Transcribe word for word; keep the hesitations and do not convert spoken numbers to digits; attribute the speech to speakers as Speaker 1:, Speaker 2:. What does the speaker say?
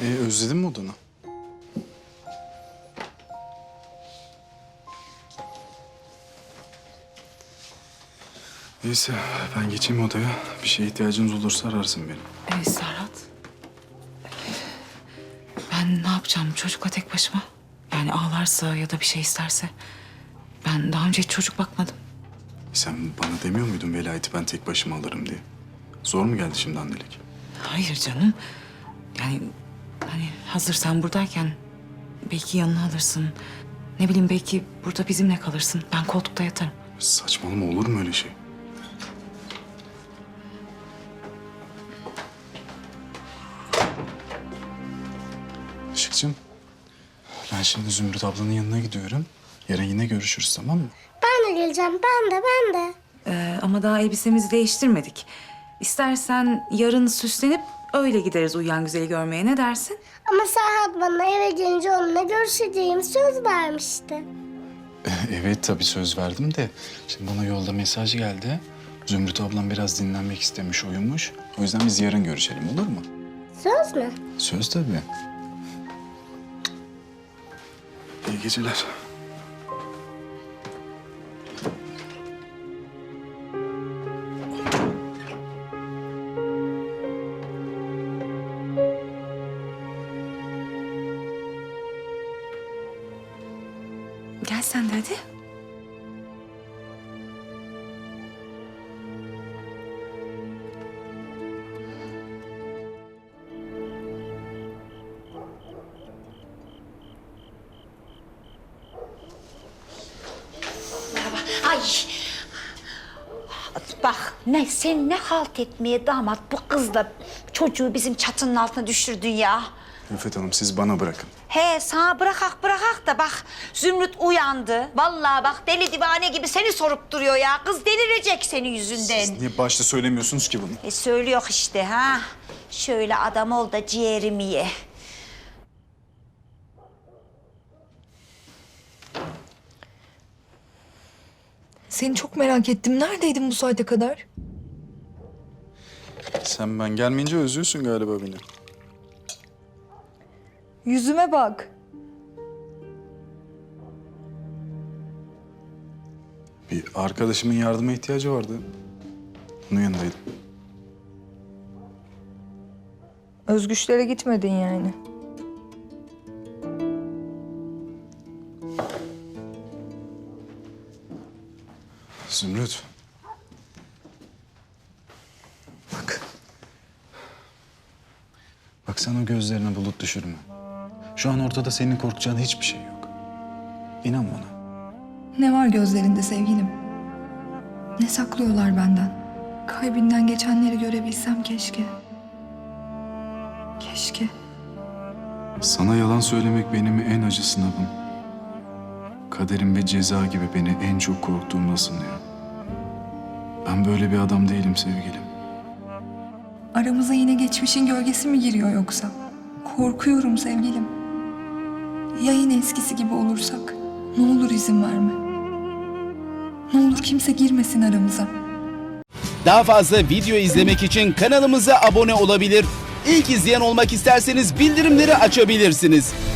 Speaker 1: E, özledin mi odanı? Neyse ben geçeyim odaya. Bir şeye ihtiyacınız olursa ararsın beni.
Speaker 2: Evet Serhat. Ben ne yapacağım çocukla tek başıma? Yani ağlarsa ya da bir şey isterse. Ben daha önce hiç çocuk bakmadım.
Speaker 1: Sen bana demiyor muydun velayeti ben tek başıma alırım diye? Zor mu geldi şimdi annelik?
Speaker 2: Hayır canım. Yani hani hazır sen buradayken belki yanına alırsın. Ne bileyim belki burada bizimle kalırsın. Ben koltukta yatarım.
Speaker 1: Saçmalama, olur mu öyle şey? Işıkcığım, ben şimdi Zümrüt ablanın yanına gidiyorum. Yarın yine görüşürüz, tamam mı?
Speaker 3: Ben de geleceğim. Ben de, ben de.
Speaker 2: Ee, ama daha elbisemizi değiştirmedik. İstersen yarın süslenip öyle gideriz Uyuyan Güzel'i görmeye. Ne dersin?
Speaker 3: Ama Serhat bana eve gelince onunla görüşeceğim söz vermişti.
Speaker 1: Evet, tabii söz verdim de. Şimdi bana yolda mesaj geldi. Zümrüt ablam biraz dinlenmek istemiş, uyumuş. O yüzden biz yarın görüşelim, olur mu?
Speaker 3: Söz mü?
Speaker 1: Söz tabii. İyi geceler.
Speaker 2: Gel sen de hadi.
Speaker 4: Ay. Bak ne sen ne halt etmeye damat bu kızla çocuğu bizim çatının altına düşürdün ya.
Speaker 1: Rüfet Hanım, siz bana bırakın.
Speaker 4: He sana bırakak bırakak da bak Zümrüt uyandı. Vallahi bak deli divane gibi seni sorup duruyor ya. Kız delirecek senin yüzünden.
Speaker 1: Siz niye başta söylemiyorsunuz ki bunu?
Speaker 4: E söylüyor işte ha. Şöyle adam ol da ciğerimi ye.
Speaker 5: Seni çok merak ettim. Neredeydin bu saate kadar?
Speaker 1: Sen ben gelmeyince özlüyorsun galiba beni.
Speaker 5: Yüzüme bak.
Speaker 1: Bir arkadaşımın yardıma ihtiyacı vardı. Onun yanındaydım.
Speaker 5: Özgüçlere gitmedin yani.
Speaker 1: Zümrüt. Bak. Bak sen o gözlerine bulut düşürme. Şu an ortada senin korkacağın hiçbir şey yok. İnan bana.
Speaker 5: Ne var gözlerinde sevgilim? Ne saklıyorlar benden? Kalbinden geçenleri görebilsem keşke. Keşke.
Speaker 1: Sana yalan söylemek benim en acı sınavım. Kaderim ve ceza gibi beni en çok korktuğumda sınıyor. Ben böyle bir adam değilim sevgilim.
Speaker 5: Aramıza yine geçmişin gölgesi mi giriyor yoksa? Korkuyorum sevgilim. Ya yine eskisi gibi olursak? Ne olur izin verme. Ne olur kimse girmesin aramıza.
Speaker 6: Daha fazla video izlemek için kanalımıza abone olabilir. İlk izleyen olmak isterseniz bildirimleri açabilirsiniz.